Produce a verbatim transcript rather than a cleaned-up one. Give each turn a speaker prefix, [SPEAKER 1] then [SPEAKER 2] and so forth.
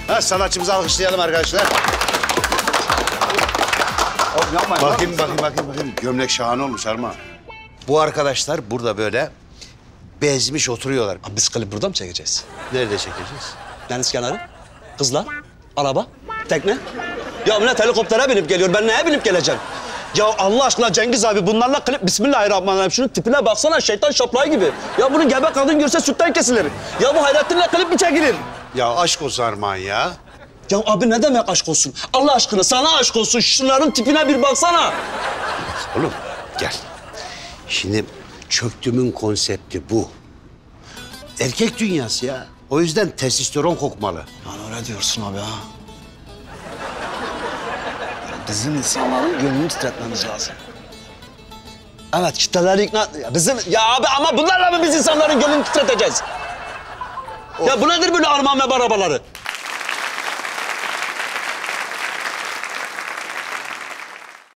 [SPEAKER 1] Ha, sanatçımızı alkışlayalım arkadaşlar.
[SPEAKER 2] Oğlum yapmayın.
[SPEAKER 1] Bakayım, bakayım, bakayım, bakayım. Gömlek şahane olmuş Armağan. Bu arkadaşlar burada böyle bezmiş oturuyorlar.
[SPEAKER 3] Abi biz klip burada mı çekeceğiz?
[SPEAKER 1] Nerede çekeceğiz?
[SPEAKER 3] Deniz kenarı, kızlar, araba, tekne. Ya millet helikoptere binip geliyor. Ben neye binip geleceğim? Ya Allah aşkına Cengiz abi bunlarla klip Bismillahirrahmanirrahim. Şunun tipine baksana şeytan şaplayı gibi. Ya bunu gebe kadın görse sütten kesilir. Ya bu Hayrettin'le klip mi çekilir?
[SPEAKER 1] Ya aşk olsun Armağan ya.
[SPEAKER 3] Ya abi ne demek aşk olsun? Allah aşkına sana aşk olsun. Şunların tipine bir baksana.
[SPEAKER 1] Oğlum gel. Şimdi çöktümün konsepti bu. Erkek dünyası ya. O yüzden testosteron kokmalı.
[SPEAKER 3] Yani öyle diyorsun abi ha. Bizim insanların gönlünü titretmemiz lazım. Evet, kitleleri ikna... Ya bizim... Ya abi ama bunlarla mı biz insanların gönlünü titreteceğiz? Ya bu nedir böyle Armağan ve arabaları?